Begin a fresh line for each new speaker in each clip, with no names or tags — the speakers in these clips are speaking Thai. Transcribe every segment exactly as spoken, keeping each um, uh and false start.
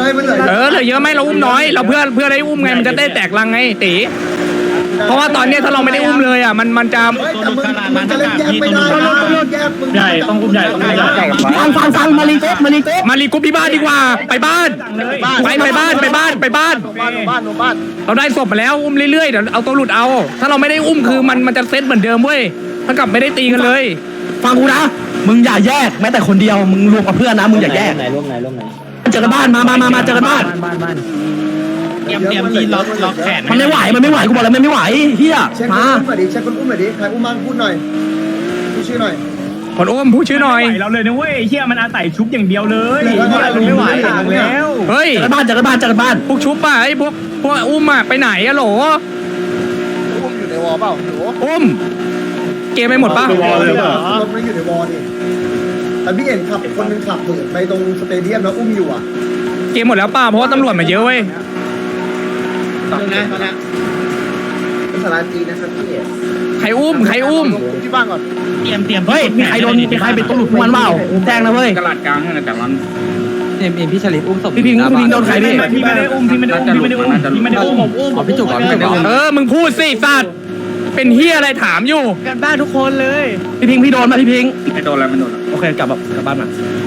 มันเหลือ
เออเหลือเยอะไหมเราอุ้มน้อยเราเพื่อเพื่อได้อุ้มไงมันจะได้แตกลังไงตีเพราะว่าตอนนี้ถ้าเราไม่ได้อุ้มเลยอ่ะมันมันจะ
แต่มึงมึงจะเล่นแยกไม่ได้แยกมึง
ใหญ่ต้องอุ้มใหญ่ต้องอุ้มใหญ่
ฟังฟังฟังมาลีเก๊มาลีเก๊
มารีกรุ๊ปที่บ้านดีกว่าไปบ้านไปไปบ้านไปบ้านไปบ้าน
บ้านบ้านบ้าน
เราได้ศพมาแล้วอุ้มเรื่อยๆเดี๋ยวเอาตัวหลุดเอาถ้าเราไม่ได้อุ้มคือมันมันจะเซตเหมือนเดิมเว้ยถ้ากับไม่ได้ตีกันเลย
ฟังกูนะมึงอย่าแยกแม้แต่คนเดียวมึงรวมกับเพื่อนนะมึงอย่าแยก
ไหนร่วมไหนร่วมไหน
เจอกันบ้านมามามามาเจอกันบ้าน
บ้านบ้าน
เตรียมเตรียมที่ล็อกล็อกแขน
มันไม่ไหวมันไม่ไหวกูบอกเลยมันไม่ไหวเฮีย
เช็คคน
มา
อุ้มหน่อยดิเช็คคนอุ้มหน่อยดิใครอุ้มมั่งพูดหน่อยพูดชื่อหน่อย
คนอุ้มพูดชื่อหน่อย
เราเลยนะเว้ยเฮียมันอาศัยชุบอย่างเดียวเลย
ไม่ไหว
แล้ว
เฮ้ย
เจอกันบ้านเจอกันบ้านเจอกันบ้าน
พวกชุบป่ะไอ้พวกพวกอุ้มอ่ะไปไหนอะโหล
อุ้มอยู่ในวอลเปล่าหนู
อุ้มเกมไปหมดปะ
รถไม่อยู่ในวอลนี่แต่พี่เห็นขับคนนึงขับเหมือนไปตรงสเตเดียมแล้วอุ้มอยู่อ่ะ
เกมหมดแล้วป่ะเพราะว่าตำรวจมาเยอะเว้ย
ตอนนี้ตอนนี้เป็นสาราจีนะครับพี่
ใครอุ้มใครอุ้ม
ที่บ้านก่อน
เตรียมเตรียม
เฮ้ยมีใครโดนมีใครเป็นตัวหลุดพวกมันเปล่าแจ้งนะเว้ย
กระดกลางให้หน่อยแต่ละ
เอ็มเอ็มพี่ชลิปอุ้มศพ
พี่พิงพี่พิงโดนใครพี่
พี่ไม่ได้อุ้มพี่ไม่ได้อุ้มพี่ไม่ได้อุ้มพี่ไม่ได้อุ้มผมอุ้ม
อ๋อพี่จุกก่อนพี่จุก
เออมึงพูดสิสัตว์เป็นเฮียอะไรถามอยู่
กันบ้านทุกคนเลย
พี่พิงพี่โดนมาพี่พิง
ไม่โดนแล้วไม่โดน
โอเคกลับแบบกลับบ้านมา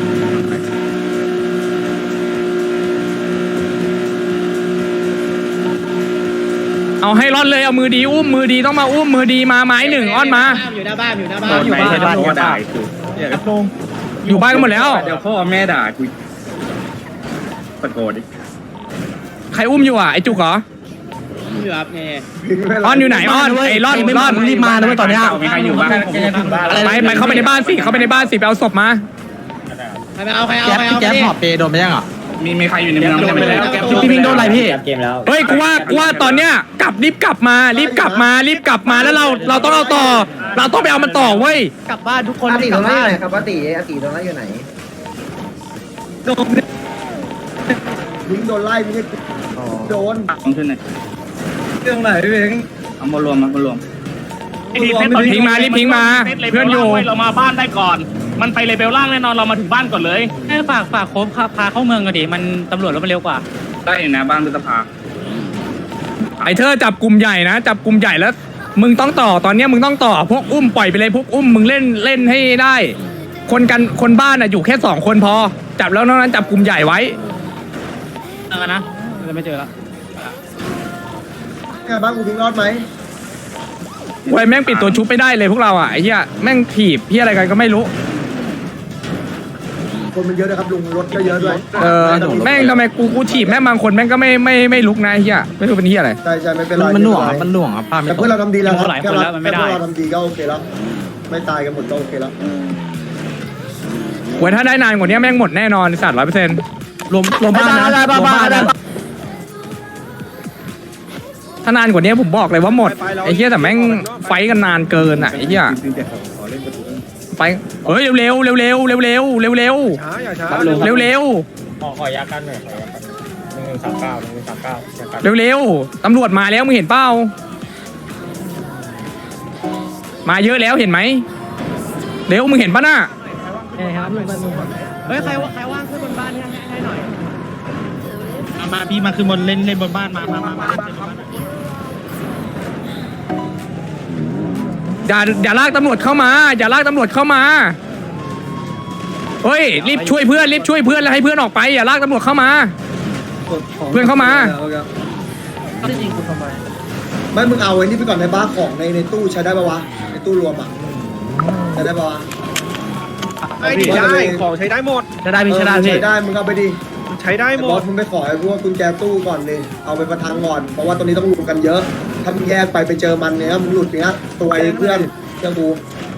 เอาให้รอดเลยเอามือดีอุ้มมือดีต้องมาอุ้มมือดีมาไม้หนึ่งอ้อนมา
อยู่หน้าบ้านอยู่หน้าบ้าน
โดนไปให้โดนด่ากู
อยู่บ้านกันหมดแล้ว
เดี๋ยวพ่อแม่ด่ากูตะโกนดิ
ใครอุ้มอยู่อ่ะไอจุกเหรอ
อยู่ครับเนี่ย
อ้อนอยู่ไหนอ้อนไอรอด
ไม่
รอด
รีบมานะเว้ยตอนเนี้ย
มีใครอยู่บ้าง
ไปไปเข้าไปในบ้านสิเข้าไปในบ้านสิไปเอาศพมา
ใครไปเอาใครเอาใครเอา
แก๊ปหอบเปโดนไปยังอ่ะ
มีมีใครอยู่ในเมืองไปแล้ว
พี่พิงโดนอะไรพี่
เกมแล้ว
เฮ้ยกูว่ากูว่าตอนเนี้ยกลับรีบกลับมารีบกลับมารีบกลับมาแล้วเราเราต้องเอาต่อ เราต้องไปเอามันต่อเว้ย
กลับบ้านทุกคน
อาติตรงนั้นอยู่ไหนครับอาติอาติตรงนั้นอยู่ไหนยิงโดนไล่ไม่ใช่โดน
ต้องขึ้นหน่อย
เรื่องไหนพี่เอง
เอามารวมมามารวม
พิงมารีบพิงมาเพื่อนอยู่
เรามาบ้านได้ก่อน มันไปเลเวลล่างแน่นอนเรามาถึงบ้านก่อนเลย
ให้ฝากฝากโค้ชพาเข้าเมืองกันดิมันตำรวจรถมันเร็วกว่า
ได้อยู่นะบ้านพฤษภา
ไอเธอจับกลุ่มใหญ่นะจับกลุ่มใหญ่แล้ว มึงต้องต่อตอนเนี้ยมึงต้องต่อพวกอุ้มปล่อยไปเลยพวกอุ้มมึงเล่นเล่นให้ได้ คนกันคนบ้านอ่ะอยู่แค่สองคนพอ จับแล้วนอกนั้นจับกลุ่มใหญ่ไว้
เออนะจะไม่เจอแล้ว
แค่บ้านกูพิงรอดไหม
เว้ยแม่งปิดตัวชุบไม่ได้เลยพวกเราอ่ะไอ้เหี้ยแม่งถีบเหี้ยอะไรกันก็ไม่รู้
คนมันเยอะนะครับลุงรถก็เยอะด้วย
เออแม่งทำไมกูกูถีบแม่งบางคนแม่งก็ไม่ไม่ไม่ลุกนะไอ้เหี้ยไม่รู้เป็นเหี้ยอะไร
ใช่ใช่ไม่เป็นไร
มันหน่วงมันหน่วงครับป้าไม่
แต่
ตก
เพื่อนเราทำดีแล้วครับ
หลาย
แค่
คน
เรา
แล้วมันไม่
แค่
ได้
เราทำดีก็โอเคแล้วไม่ตายกันหมดก็โอเคแล้ว
เว้ยถ้าได้นานกว่านี้แม่งหมดแน่นอนสัตว์ร้อยเปอร์เซ็นต์
รวมรวมบ้านนะรวมบ้านนะ
ถ้านานกว่านี้ผมบอกเลยว่าหมดไอ้เหี้ยแต่แม่งไฟกันนานเกินอ่ะไอ้เหี้ยไฟเฮ้ยเร็วเร็วเร็วเร็วเร็วเร็วเร็ว
ช้าอย่าช้า
เร็วเร็ว
ขอขอยากันหน่อยขอยากันหนึ่งสามเก้าหนึ่งสามเก้า
เร็วเร็วตำรวจมาแล้วมึงเห็นเปล่ามาเยอะแล้วเห็นไหมเร็วมึงเห็นปะน่ะ
เฮ้ยใครใครว่างขึ้นบนบ้านให้ให้หน่อย
มาพี่มาคือบนเล่นเล่นบนบ้านมามามามา
อย่าอย่าลากตำรวจเข้ามาอย่าลากตำรวจเข้ามาเฮ้ยรีบช่วยเพื่อนรีบช่วยเพื่อนแล้วให้เพื่อนออกไปอย่าลากตำรวจเข้ามา เพื่อนเข้ามา
ไม่มึงเอาไว้นี่ไปก่อนในบ้านของในในตู้ใช้ได้ปะวะในตู้รวมอ่ะใช้ได้ปะวะ
ไม่ได้ของใช้ได้หมด
จะได้พี่ชนะพี่
ใช้ได้มึงเอาไปดิ
ใช้ได้หม
บอ
ด
สมึงไปขอไอ้พวกกุญแจตู้ก่อนเลยเอาไปประทังก่อนเพราะว่าตอนนี้ต้องรวมกันเยอะถ้ามึงแยกไปไปเจอมันเนี้ยมึงหลุดเนี้ยตัวไอ้เพื่อนเพื่อนกู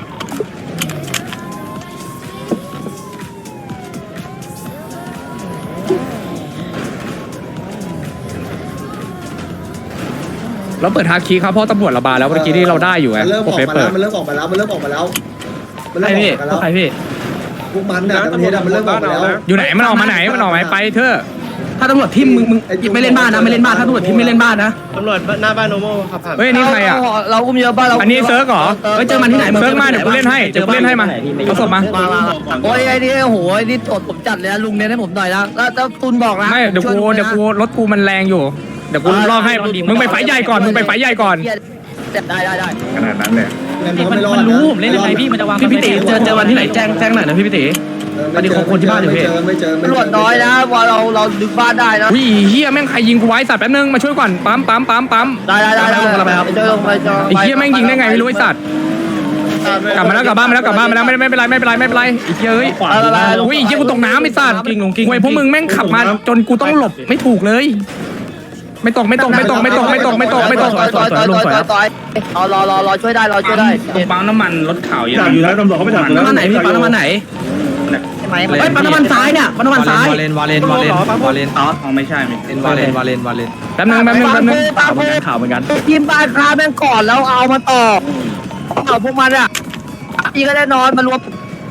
เราเปิดฮาคีครับเพราะตำรวจระบาดแล้วเมื่อกี้ที่เราได้อยู่ไง
มันเริ่ม
โอ
ออก
เค
มา
เปิ
แล้
ด
วมันเริ่มออกมาแล้วมันเริ่มออกมาแล้วมัน
ใคร
เริ่มอ
พี่
อกมาแล้ว
ใครพี่
พวกมันน่ะตำรวจมันเริ่มออกมาแล้ว
อยู่ไหนมันออกมาไหนมันออกมาไปเถอะ
ถ้าตำรวจทิมมึงมึงไม่เล่นบ้านนะไม่เล่นบ้านถ้าตำรวจทิมไม่เล่นบ้านนะ
ตำรวจหน้าบ้านโนโม่ขับผ่าน
เฮ้ยนี่ใครอ่ะ
เราอุ้มเยอะบ้านเรา
อันนี้เซิร์กเหรอ
เฮ้ยเจอมันที่ไหน
เซิร์กมาเดี๋ยวกูเล่นให้เดี๋ยวกูเล่นให้มาเอาศพมา
โอ้ยไอ้นี่โอ้โหไอ้นี่ตดผมจัดเลยนะลุงเนี่ยให้ผมหน่อยนะแล้วแล้วตุนบอกนะ
ไม่เดี๋ยวกูเดี๋ยวกูรถกูมันแรงอยู่เดี๋ยวกูลอกให้มึงไปไฟใหญ่ก่อนมึงไปไฟใหญ่ก่อน
ได้ได้ได้
ขนาดนั้นเลย
มันรู้
มันรู้ผมเล่นยังไงพี่มันจะวาง
พี่พี่ตีเจอเจอวันที่ไหนแจ้งแจ้งหน่อยนะพี่พี่ตี อันนี้ของคนที่บ้านอยู่
ไม่
พี่
เจอไม่เจอไม่
ตำรวจน้อยนะว่าเราเราดึงบ้านได้นะ
วิ่งเฮียแม่งใครยิงกูไว้สัตว์แป๊บนึงมาช่วยก่อนปั๊มปั๊มปั๊มปั๊ม
ได้ได้ได้ได้เจอลงไปเจอ
ไอ้เฮียแม่งยิงได้ไงไม่รู้ไอ้สัตว์กลับมาแล้วกลับบ้านมาแล้วกลับบ้านมาแล้วไม่ไม่เป็นไรไม่เป็นไรไม่เป็นไรไอ้เฮียเอ้ยอุ้ยไอ้เฮียกูตกน้ำไอ้สัตว์เว้ยพวกมึงแม่งขับมาจนกูต้องหลบไม่ถูกเลย ไม่ตกไม่ตกไม่ตกไม่ตกไม่ตกไม่ตกไม่ตก
ต่อยต่อยต่อยต่อยต่อยรอรอรอรอช่วยได้รอช่วยได้
ปั๊มน้ำมันรถขาวเยอะ
อยู่แล้วตำรวจเขาไม่จับ
ปั๊มน้ำมันไหนพี่ปั๊มน้ำมันไหน
ใช่ไหม
เฮ้ยปั๊มน้ำมันซ้ายเนี่ยปั๊มน้ำมันซ้ายว
าเลนวาเลนวาเลนวาเลน
อ๋อไม่ใช่ไม่
วาเลนวาเลนวาเลน
แป๊บนึงแป๊บนึงแป๊บนึง
ปั๊มเหมือนกันข่าวเหมือนกันทีมบ้านค้าแม่งก่อนแล้วเอามาต่อเอาพวกมันอ่ะพี่ก็ได้นอนมารวม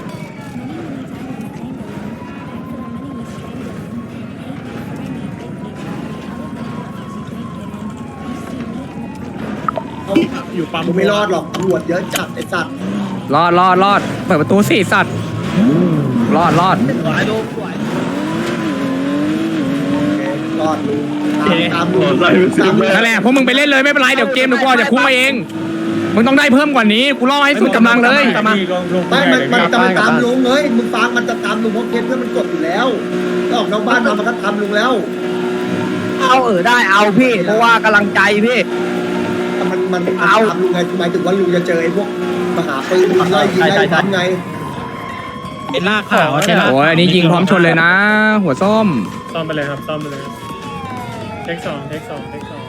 อยู่ปั๊ม
กูไม่รอดหรอกตำรวจเยอะจัดไอ้สัตว์
รอดรอดรอดเปิดประตูสิสัตว์รอดรอด
รอดลุงตามตามลุงตามเลย
นั่นแหละพวกมึงไปเล่นเลยไม่เป็นไรเดี๋ยวเกมเดี๋ยวกูออกจากคุกมาเองมึงต้องได้เพิ่มกว่านี้กูรอให้สุดกำลังเลย
ไม่มันมันจะมาตามลุงเฮ้ยมึงฟังมันจะตามลุงเพราะเคสเพื่อนมันกดอยู่แล้วถ้าออกนอกบ้านมามันก็ตามลุงแล้ว
เอาเออได้เอาพี่เพราะว่ากำลังใจพี่
แต่มันมันมันตามลุงไงหมายถึงว่าลุงจะเจอไอ้พวกมหาปืนไล่ยิงไล่ทำไง
เป็นลากขาวใช่ไหม
โอ้ยอันนี้ยิงพร้อมชนเลยนะ หัวส้ม
ซ่อมไปเลยครับซ่อมไปเลยเทคสองเทคสองเทคสอง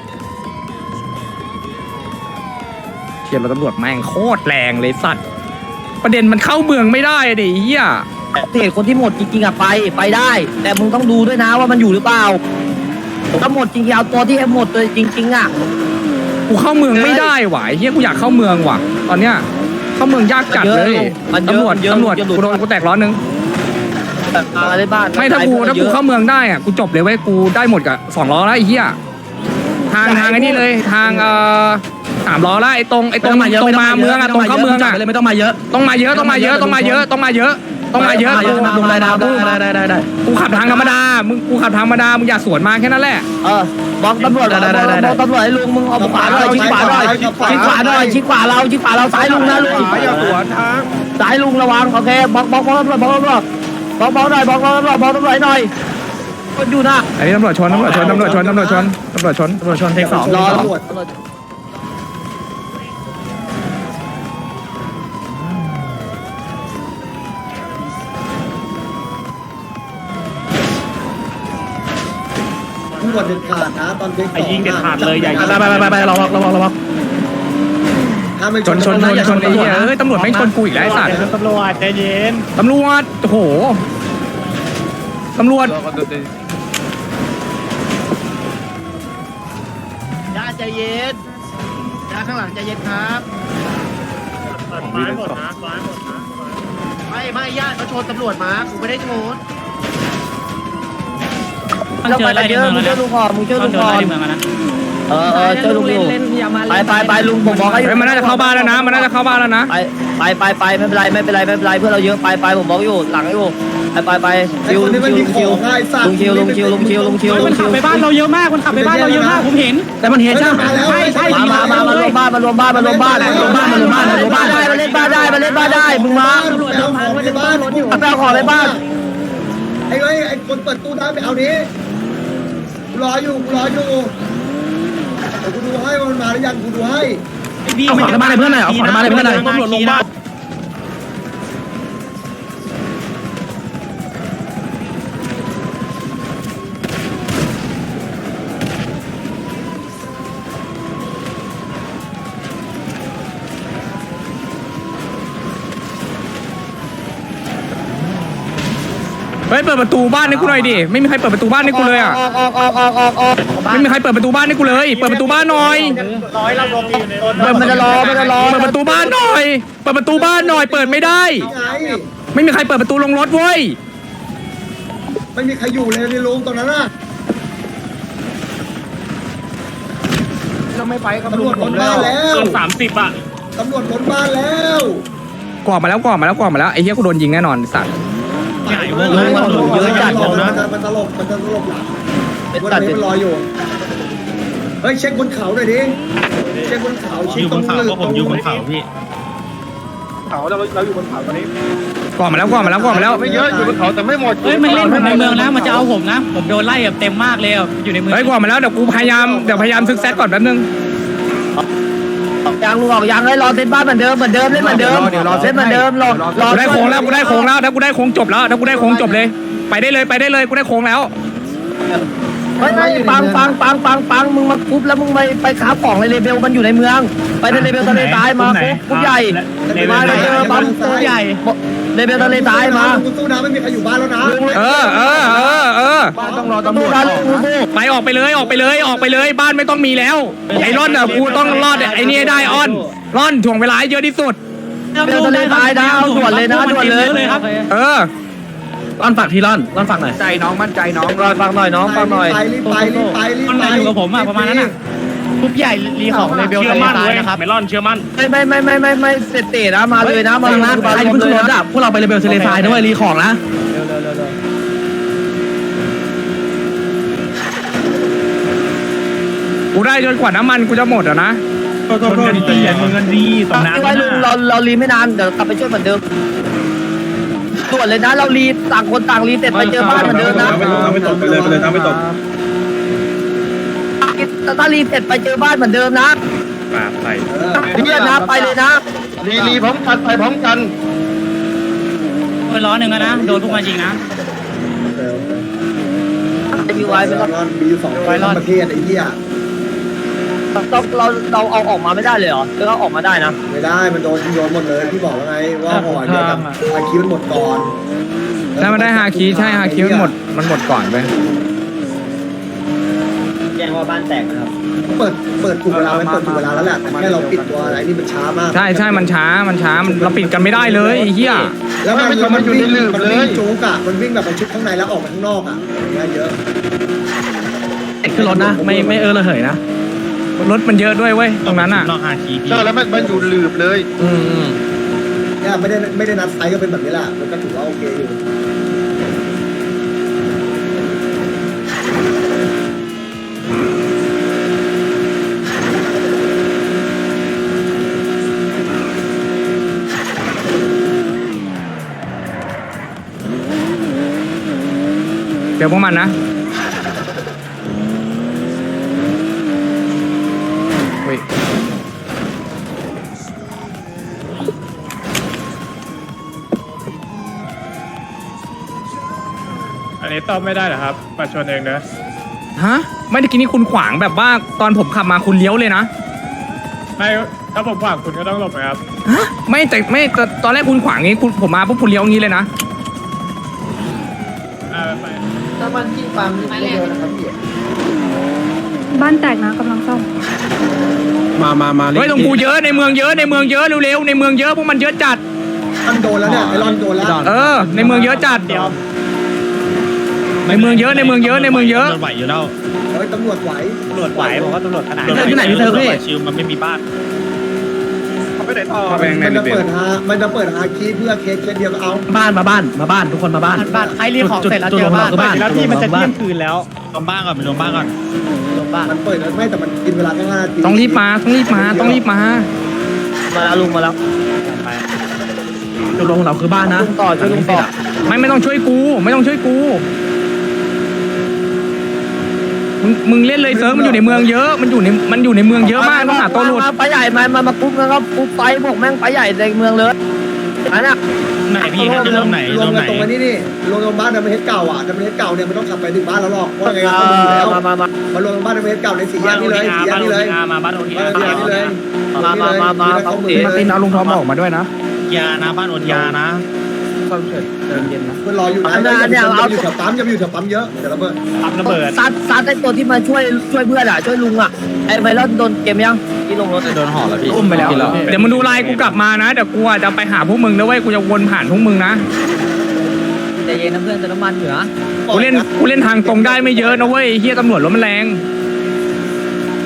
เทียบรถตำรวจแม่งโคตรแรงเลยสัตว์ประเด็นมันเข้าเมืองไม่ได้ดิเฮีย
เหตุคนที่หมดจริงๆอะไปไปได้ แต่มึงต้องดูด้วยนะว่ามันอยู่หรือเปล่าถ้าหมดจริงๆเอาตัวที่หมดเลยจริงๆอะ
กูเข้าเมืองไม่ได้ว่ะไอ้เฮียกูอยากเข้าเมืองว่ะ ตอนเนี้ยเข้าเมืองยากจัดเลยตำรวจตำรวจกูโดนกูแตกร้อนนึง
อะไรบ้าน
ไม่ถ้ากูถ้ากูเข้าเมืองได้อ่ะกูจบเลยเว้ยกูได้หมดกับสองล้อแล้วไอ้เหี้ยทางทางไอ้นี่เลยทางเอ่อสามล้อแล้วไอ้ตรงไอ้ตรงตรงมาเมืองอ่ะตรงเข้าเมืองอ่ะ
เลยไม่ต้องมาเยอะ
ต้องมาเยอะต้องมาเยอะต้องมาเยอะต้องมาเยอะต้องมาเยอะ
ลงได้ได้ได้ได้ได้
กูขับทางธรรมดามึงกูขับทางธรรมดามึงอย่าสวนมาแค่นั้นแหละ
เออบอกตำรวจบอกตำรวจให้ลุงมึงเอาขวาหน่อยชิดขวาหน่อยชิดขวาหน่อยชิดขวาเราชิดขวาเราซ้ายลุงนะลุง
อย่าสวนทาง
ซ้ายลุงระวังโอเคบอกบอกบอกตำรวจบอกตำรวจบอกบอกหน่อยบอกบอกตำรวจบอกตำรวจหน่อยคนอยู่นะ
อันนี้ตำรวจชนตำรวจชนตำรวจชนตำรวจชนตำรวจชนตำรวจชนเทคสอง
รอตำรวจตำรวจเด็ดขาดนะตอนเด็ก
ไอ้ยิงเด็ดขาดเลยใหญ่
ไปไปไปไประวังระวังระวัง
ถ้าไม่
ชนชนชนชนไอ้เหี้ยเอ้ยตำรวจไม่ชนกูอีกแล้วไอ้สัตว์
ตำรวจใจเย็น
ตำรวจโอ้โหตำรวจ
ญาติใจเย็นญาติข้างหลังใจเย็นครับ
ซ้ายหมดนะซ้ายหมดนะ
ไม่ไม่ญาติเขาชนตำรวจมากูไม่ได้ชน
มันเจออะไรในเมือง
มึง
แล้ว
ช่วย
นะ
ลุงก่อนมึงช่วย
ต้
ลุ
อง
ง
เจอ
ก่อน
อะไรในเมืองแล้วนะ
เออเออช่วยลุงอยู่
เล่นอย่ามา
ไปไปไปลุงผมบอกให้
เฮ้ยมันน่าจะเข้าบ้านแล้วนะมันน่าจะเข้าบ้านแล้วนะ
ไปไปไปไปไม่เป็นไรไม่เป็นไรไม่เป็นไรเพื่อนเราเยอะไปไปผมบอกอยู่หลังอยู่ไปไปไป
ไอ้คนนี้มันมีของง่ายสัตว์
ลุงชิวลุงชิวลุงชิวลุงชิวลุ
มัน
ง
ขั
ชิ
บ
ว
ไปบ้านเราเยอะมากมันขับไปบ้านเราเยอะมากผมเห็น
แต่มันเห็นใช่ไหม
ใช่ใช่
มามามามารวมบ้านมารวมบ้านมารวมบ้านมารวมบ้านมารวมบ้านมารวมบ้านได้มาเล่นบ้านได้มาเล่นบ้านได้มึงมา
ตำรวจเอาของในบ้าน
ไปเอาของในบ้าน
ไอ้ไอ้ไอ้คนเปิดตู้ได้ไปเอานี้กูรออยู่กูรออยู่เดี๋ยวกูดูให้ว่ามันมาหรือยังกูดูให้
เอาของในบ้านให้เพื่อนหน่อยเอาของในบ้านให้เพื่อนหน่อย
ตำรวจลงบ้าน
เฮ้ยเปิดประตูบ้านให้กูหน่อยดิไม่มีใครเปิดประตูบ้านให้กูเลยอ่ะ
ออกออกออกออกออกออก
ไม่มีใครเปิดประตูบ้านให้กูเลยเปิดประตูบ้านหน่อย
ร้อยเราลงอยู่ในรถ
มันจะรอมันจะรอ
เปิดประตูบ้านหน่อยเปิดประตูบ้านหน่อยเปิดไม่ได้
ไง
ไม่มีใครเปิดประตูลงรถเว้ย
ไม่มีใครอยู่เลยในโรงตรงนั้นน่ะไม่ไปตำรวจล้นบ้านแล้ว
เกินสามสิบอ่ะ
ตำรวจล้นบ้านแล้ว
กอดมาแล้วกอดมาแล้วกอดมาแล้วไอ้เหี้ยกูโดนยิงแน่นอนไอ้สัตว์
ใหญ่เวอร์เลยเยอะจัดเลยนะ
มันตลบมันตลบหลังวันนี้มันลอยอยู่เฮ้ยเช็คบนเขาหน่อยดิเช็คบนเขา
อ
เช็ค
ยู่
ต
บ
รง
นเขา
ลึก
ก็ผมอยู่บนเขาพี่
เขาเราเราอยู่บนเขาตอนนี้
กอดมาแล้วกอดมาแล้วกอดมาแล้ว
ไม่เยอะอยู่บนเขาแต่ไม่หมด
เฮ้ยมันเล่นผมในเมืองนะมันจะเอาผมนะผมโดนไล่แบบเต็มมากเลยอะอยู่ในเมือง
เฮ้ยกอดมาแล้วเดี๋ยวกูพยายามเดี๋ยวพยายามซึกแซกก่อนแป๊บนึง
ยางลุงออกยางเลยรอเซตบ้านเหมือนเดิมเหมือนเดิมเล่นเหมือนเดิมเล่นเหมือนเดิมรอรอ
กูได้โค้งแล้วกูได้โค้งแล้วถ้ากูได้โค้งจบแล้วถ้ากูได้โค้งจบเลย ไปได้เลยไปได้เลยกูได้โค้งแล้ว
เฮ้ยปังปังปังปังปังมึงมาคุบแล้วมึงไปไปค้าของในเลเบลมันอยู่ในเมืองไปในเลเบลทะเลทรายมาคุบคุบใหญ่มาเลยเจอปั๊มตัวใหญ่เลเบลทะเลทรายมา
กูสู้นะไม่มีใครอยู่บ้านแล้วนะ
เออเออเออเออ
ต้องรอตำรวจสู้
ไปออกไปเลยออกไปเลยออกไปเลยบ้านไม่ต้องมีแล้วไอ้ร่อนอ่ะกูต้องรอดไอ้นี่ได้อ้อนร่อนถ่วงเวลาให้เยอะที่สุด
เลเบลทะเลทรายนะเอาด่วนเลยนะด่วนเลยครับ
เออ
ร่อนฝากทีร่อนร่อนฝากหน่อยใจน้องมั่นใจน้องรอนฟังหน่อยน้องฟังหน่อย
ไปรีบไปรีบไปรีบ
มัน
ไป
อยู่กับผมอะประมาณนั้นอะคุบใหญ่รีของเลเบล
เชื่อ
ทะเล
มั่น
ทราย
เลย
นะครับ
เมลอนเชื่อมั่น
ไม่ไม่ไม่ไม่ไม่ไม่เสร็จเตะนะมาเลยนะมาเลยนะ
ใครขึ้นรถอะพวกเราไปเลเบลทะเลทรายนะเว้ยรีของนะ
กูได้จนกว่าน้ำมันกูจะหมดอ่ะนะ
ชนกันดีชนกันดีตรงน้ำ
ไว้ลุงเราเรารีไม่นานเดี๋ยวกลับไปช่วยเหมือนเดิมด่วนเลยนะเรารีต่างคนต่างรีเสร็จไปเจอบ้านเหมือนเดิมนะ
ไม่ตกไปเลยไปเลยน้ำไม่ตก
ถ้ารีเสร็จไปเจอบ้านเหมือนเดิมนะ
ปาไป
เพื่อนนะไปเลยนะ
รีรีพร้อมกันไปพร้อมกัน
เออล้อหนึ่งอะนะโดนพวกมันยิงนะ
จะมีไว้ไม่ต้อง
มีอยู่สองประเทศไอ้เหี้ย
ต้องเราเราเอาออกมาไม่ได้เลยเหรอหรือเราออกมาได้นะ
ไม่ได้มันโดนโยนหมดเลยพี่บอกแล้วไงว่าห่อเดียวกับอาคิวมันหมดก่อน
ถ้ามันได้ฮาคิใช่ฮาคิมันหมดมันหมดก่อนไป
แจ้งว่าบ้านแตกนะครับ
เปิดเปิดถูกเวลามันเปิดถูกเวลาแล้วแหละแต่แค่เราปิดตัวอะไรนี่มันช้ามาก
ใช่ใช่มันช้ามันช้ามันเราปิดกันไม่ได้เลยไอ้เหี้ย
แล้วมันมันอยู่ในลืมเลยมันวิ่งจู๊กอะมันวิ่งแบบมันชุดข้างในแล้วออกมาข้างนอกอะอย่างเงี้ยเยอะ
ขึ้นรถนะไม่ไม่เออระเหยนะ
รถมันเยอะด้วยเว้ยตรงนั้นอ่ะ
นอกฮาคีพี่
ใช่แล้วมันมันอยู่ลืบเลย
อืมอืม
เนี่ยไม่ได้ไม่ได้นัดไซส์ก็เป็นแบบนี้แหละมันก็ถือว่าโอเคอยู่
เดี๋ยวพวกมันนะเฮ้ย
อันนี้ตอบไม่ได้เหรอครับมาชนเองนะ
ฮะไม่ได้กินนี่คุณขวางแบบว่าตอนผมขับมาคุณเลี้ยวเลยนะ
ไม่ถ้าผมขวางคุณก็ต้องหลบนะครับ
ฮะไม่แต่ไม่ตอนตอนแรกคุณขวางงี้คุณผมมาปุ๊บคุณเลี้ยวงี้เลยนะ
อ่าไป
ถ้ามันที่ปั๊มเยอะนะครับพี่
บ้านแตกนะกำลังซ่อม
มามามา
เฮ้ยตรงกูเยอะในเมืองเยอะในเมืองเยอะเร็วๆในเมืองเยอะพวกมันเยอะจัด
มันโดนแล้วเนี่ยไอรอนโดนแล้ว
เออ ในเมืองเยอะจัดในเมืองเยอะในเมืองเยอะในเมืองเยอะ
ตำรวจไหวอยู่แล้ว
เฮ้ยตำรวจไหว
ตำรวจไหวบอกว่าตำรวจขนาด
ที่ไหนพี่เธอพี่ชิวมันไม่มีบ้าน
เขาไปไหนต่อ
มันจะเปิดฮามันจะเปิดฮาคีเพื่อเคสเคสเดียวก็เอา
บ้านมาบ้านมาบ้านทุกคนมาบ้าน
บ้านใครรีของเสร็จแล้วเจอบ้าน
บ้าน
แล้วที่มันจะเที่ยงคืนแล้ว
รวมบ้านก่อนไปรวมบ้านก่อน
ลงบ้าน
มันเปิดแล้วไม่แต่มันกินเวลาแค่ห้านาที
ต้องรีบมาต้องรีบมาต้องรีบมา
มาแล้วลุงมาแล้วจุดลงเราคือบ้านนะลุงต่อช่วยลุงต่อ
ไม่ไม่ต้องช่วยกู ไม่ต้องช่วยกูมึงมึงเล่นเลยเซิร์ฟมันอยู่ในเมืองเยอะมันอยู่ในมันอยู่ในเมืองเยอะมากต้องหาตัวหลุด
ไปใหญ่มามามาปุ๊บแล้วก็ปุ๊บไปบอกแม่งไปใหญ่ในเมืองเลยอันน่ะ
ไหนพี่จะเริ่มไหน
รว
เริ่
ม
ม
กั
ไห
น
น
ตรงนี้นี่รวมตรงบ้านดัมเบลเฮดเก่าอ่ะดัมเบลเฮดเก่าเนี่ยมันต้องขับไปถึงบ้านแล้วหรอกเพราะไงเขาดูอยู่แล้ว
มามามา
มารวมตรงบ้านดัมเบลเฮดเก่าในสี่แยกนี่เลยสี่แยกนี่เลย
มาบ้านโอที
บ้านสี่แยกนี่เลย
มามามามาเขา
มาตินเอาลุงทอมออกมาด้วยนะ
ยานะบ้านอดยานะ
ซ่อมเสร็จเดินเย็นนะ
มันรออยู่นะอย่าอยู่แถวปั๊มอย่าอยู่แถวปั๊มเยอะเดี๋ยวระเบิด
ปั๊มระเบิด
ซัดซัดไอ้ตัวที่มาช่วยช่วยเพื่อนอ่ะช่วยลุงอ่ะไอ้ไวรัสโดนเกมยังที่ลงรถโดนห่อแล้วพี่
อุ้มไปแล้วเดี๋ยวมึงดูไลน์กูกลับมานะเดี๋ยวกูอ่ะจะไปหาพวกมึงนะเว้ยกูจะวนผ่านพวกมึงนะ
ใจเย็นนะเพื่อนแต่น้ำมันเหนือ
กูเล่นกูเล่นทางตรงได้ไม่เยอะนะเว้ยเฮียตำรวจรถมันแรง
ต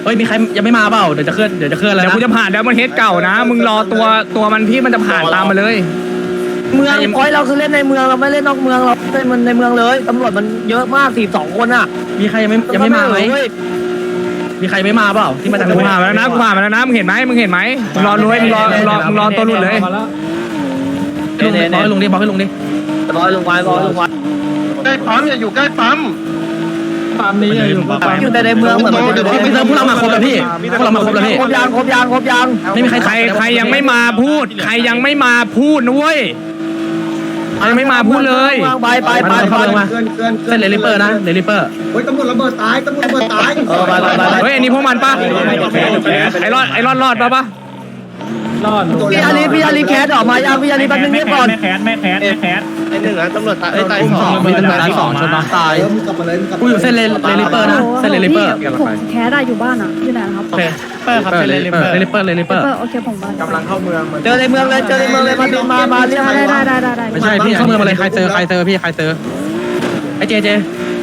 ฮ้ยมีใครยังไม่มาเปล่าเดี๋ยวจะเคลื่อนเดี๋ยวจะเคลื่อนแล้ว
เดี๋ยว
นะ
กูจะผ่านแล้วมันเฮดเก่านะ มึงรอตัวตัวมันที่มันจะผ่านตามมาเลย
เมืองพอยเราคือเล่นในเมืองเราไม่เล่นนอกเมืองเราเล่นมันในเมืองเลยตำรวจมันเยอะมากสี่สองคนอ่ะมีใครยังไม่ยังไม่มาไหมมีใครไม่มาเปล่าที่มาจาก
กูผ่านมาแล้วนะกูผ่านมาแล้วนะมึงเห็นไหมมึงเห็นไหมมึงรอรู้มึงรอมึงรอมึงรอตัวหลุดเลย
ลุงบอกให้ลุงดิบอกให้ลุงดิร้อยลุงไว้ร้อยลุงไว้
ใกล้ปั๊มอย่าอยู่ใกล้ปั๊ม
ปั๊มนี้อยู่ปั๊ม
อยู่แต่ในเมืองเหมือนมันอยู่ในเมืองพวกเรามาครบแล้วพี่พวกเรามาครบแล้วพี่ครบยางครบยางครบยางไม่มีใคร
ใครใครยังไม่มาพูด ใครยังไม่มาพูดนะเว้ยใครยังไม่มาพูดเลย
ไปไปไปไปมา
เกินเกิน
เส้นเลลิเปอร์นะเลลิเปอร์
เฮ้ยตำรวจระเบิดตายตำรวจระเบิดตาย
เออไปไปไป
เฮ้ยอันนี้พวกมันปะไอ้รอดไอ้รอดรอดปะปะ
รอด
พี่อาลีพี่อาลีแคสออกมายังพี่อาลีแป๊บนึงเงียบก่อน
ไม่แคสไม่แคสไม่แคส
ไอ้หนึ่งนะตำรวจตายตายสอง
มีตำรวจตายสองชนน้องตาย
เออมึงกลับมาเลยมึงกลับ
กูอยู่เส้นเลลิเปอร์นะเส้นเลลิเปอร์
พี่ผมแคสอะอยู่บ้านอะอยู่ไหนนะครับ
โอเคเปอร์ครับเลลิเปอร์เลลิเปอร์เลลิเปอร์
เปิดโอเคผมบ้าน
กำลังเข้าเมืองมัน
เจอในเมืองเลยเจอในเมืองเลยมาดิมามาเรียก
ได้ได้ได้ได้ได้
ไม่ใช่พี่เข้าเมืองมาเลยใครเจอใครเจอพี่ใครเจอไอ้เจเจ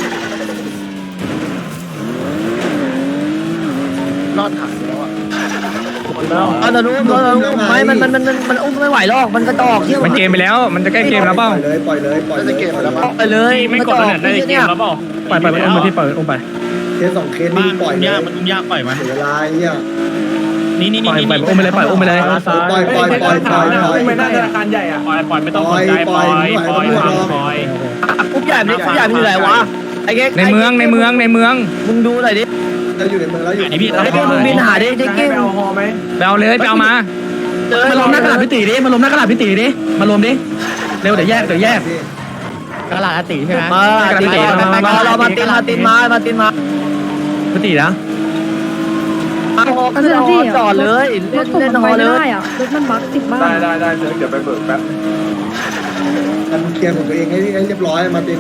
รอดขาดแล้วอ่ะ
เอาแต่รู้ไม่มันมันมันมันอุ้มไม่ไหวหรอกมันกระจอกเที่ยว
มันเกมไปแล้ว มันจะใกล้เกมแล้วเปล่า
ปล่อยเลยปล่อยเลยปล่อยเลย
จะเก็บแล้วมั้ง
ไปเลย
ไม่กดขนาดได้เกมแล้วเปล่า
ปล่อยปล่อยมันอุ้มไปพี่ปล่อยอุ้มไป
เคสสองเคสนี่ปล่อยเลย
ยากมันยากปล่อยมัน
เสียเวลาเนี่ย
นี่นี่
ปล่อย
นี่
ปล่อยอุ้มไปเลยปล่อยอุ้มไปเลย
ปล่อยปล่อยปล่อยปล่อยปล่อย
ไม่น่าธนาคารใหญ่อ่ะ
ปล่อยปล่อยไม่ต้องสนใจปล่อยปล่อยปล่อยปล่อย
อุ้มใหญ่นี่อุ้มใหญ่มันอยู่ไหนวะไอ้เก๊ก
ในเมืองในเมืองในเมือง
มึงดูหน่อยดิ
เราอยู่ในเมืองแล้วอยู่
นี่พี่
ไอ้เก๊กมึงบินหาดิเจ๊เก๊ก
ไปเอาฮอไหม
ไปเอาเลยไปเอามา
มาลมหน้ากระดาษพิตีดิมาลมหน้ากระดาษพิตีดิมาลมดิเร็วเดี๋ยวแยกเดี๋ยวแยก
กระลาดติใช่ไหม
มาติมามาเรามาตินมาตินมามาตินมาพิตีนะมาฮอ
ก็
ขึ้น
คือ
ฮอ
พี่
จอดเลย
ร
เล่
ถ
น
ผม
เล่น
มัน
ฮ
ไป
อเล
ไม่ได้
ย
อะรถมันบั๊กติดบ้าน
ได้ได้ได้เดี๋ยวเดี๋ยวไปเบิกแป๊บ
ทำเคลียร์ของตัวเองให้ให้เรียบร้อยมาติน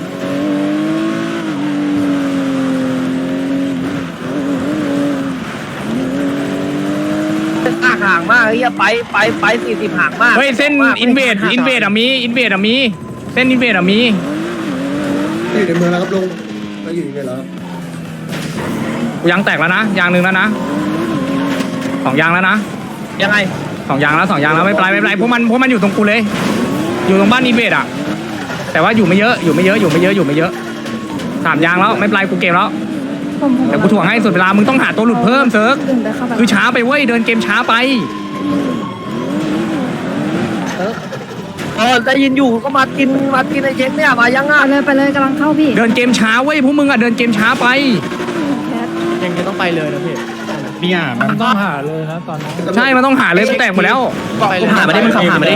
ห่างมากเฮียไปไปไปสี่สิบห่างมาก
เฮ้ยเส้นอินเวดอินเวดอะมีอินเวดอะมีเส้นอินเวดอะมี
อยู่ในเมืองแล้วครับลุงเราอยู่ในเมืองแล้ว
ยางแตกแล้วนะยางหนึ่งแล้วนะสองยางแล้วนะ
ยังไง
สองยางแล้วสองยางแล้วไม่เป็นไรไม่เป็นไรพวกมันพวกมันอยู่ตรงกูเลย อยู่ตรงบ้านอินเวดอะแต่ว่าอยู่ไม่เยอะอยู่ไม่เยอะอยู่ไม่เยอะอยู่ไม่เยอะสามยางแล้วไม่เป็นไรกูเกมแล้ว
ผมผม
เดี๋ยวกูถ่วงให้สุดเวลามึงต้องหาตัวหลุดเพิ่มเซิร์ฟ
ตื่นไปเข้าไป
คือช้าไปเว้ยเดินเกมช้าไป
เออได้ยินอยู่ก็มากินมากินไอ้เช็คเนี่ยมายัง
ไป
อ่ะ
เลยไปเลยกำลังเข้าพี่
เดินเกมช้าเว้ยพวกมึงอะเดินเกมช้าไป
แคส
ยังจะต้องไปเลยนะพี่
เนี่ยมัน
ต้องหาเลยนะตอนนี้
ใช่มันต้องหาเลยกูแตกหมดแล้ว
มึงหามาดิมึงขับหามาดิ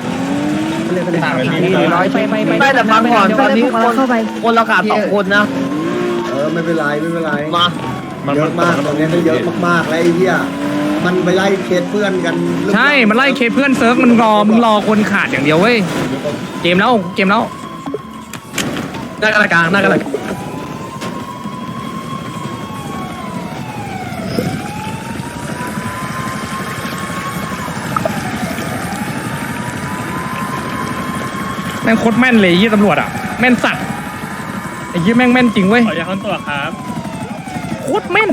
ร้อยไปไปไป
ไม่แต่ฟังก่อนตอนนี้
ผม
ค
กำลั
น
งเข้าไป
คนเราขาดสองคนนะ
เออไม่เป็นไรไม่เป็นไร
มา
เยอะมากตอนนี้ก็เยอะมากๆแล้วไอ้เหี้ยมันไปไล่เคสเพื่อนกัน
ใช่มันไล่เคเพื่อนเซิร์ฟมันรอมึงรอคนขาดอย่างเดียวเว้ยเกมแล้วเกมแล้ว
หน้ากระกลางหน้ากระกลาง
แม่งโคตรแม่นเลยไอ้ยี่ตำรวจอะแม่นสัตว์ไอ้ยี่แม่งแม่นจริงเว้ย
ขออย่าค้นตัวครับ
โคตรแม่น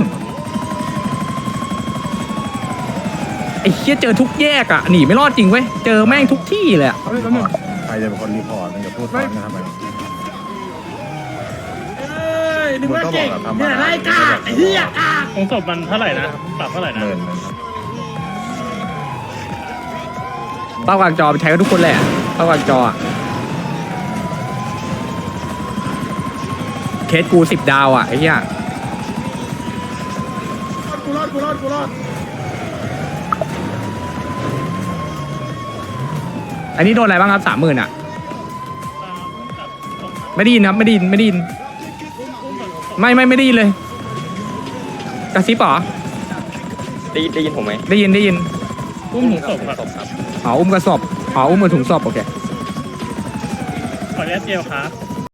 ไอ้เหี้ยเจอทุกแยกอะหนีไม่รอดจริงเว้ยเจอแม่งทุกที่เลยอะ
ใครจะเป็นคนรีพอร์ตมันจะพูดตอนนี้ทำไมมึงก็บอกทำมาไล่กาไอ้เหี้ย
ของศพมันเท่าไหร่นะปรับเท่าไหร่นะ
หมื่นหนึ่งครับ
เป้ากลางจอไปใช้กันทุกคนแหละเป้ากลางจออะเคสกูสิบดาวอะไอ้เหี้ย
กูรอดกูรอดกูรอด
อันนี้โดนอะไรบ้างครับสามหมื่นอะไม่ได้ยินครับไม่ได้ยินไม่ได้ยินไม่ไม่ไม่ได้ยินเลยกระซิบเหรอ
ได้ได้ยินผมไหม
ได้ยินได้ยิน
อุ้มถุงศพครับ
อ๋ออุ้มกระสอบอ๋ออุ้มมือถุงศพโอเค
ขออนุญาตเจลครับ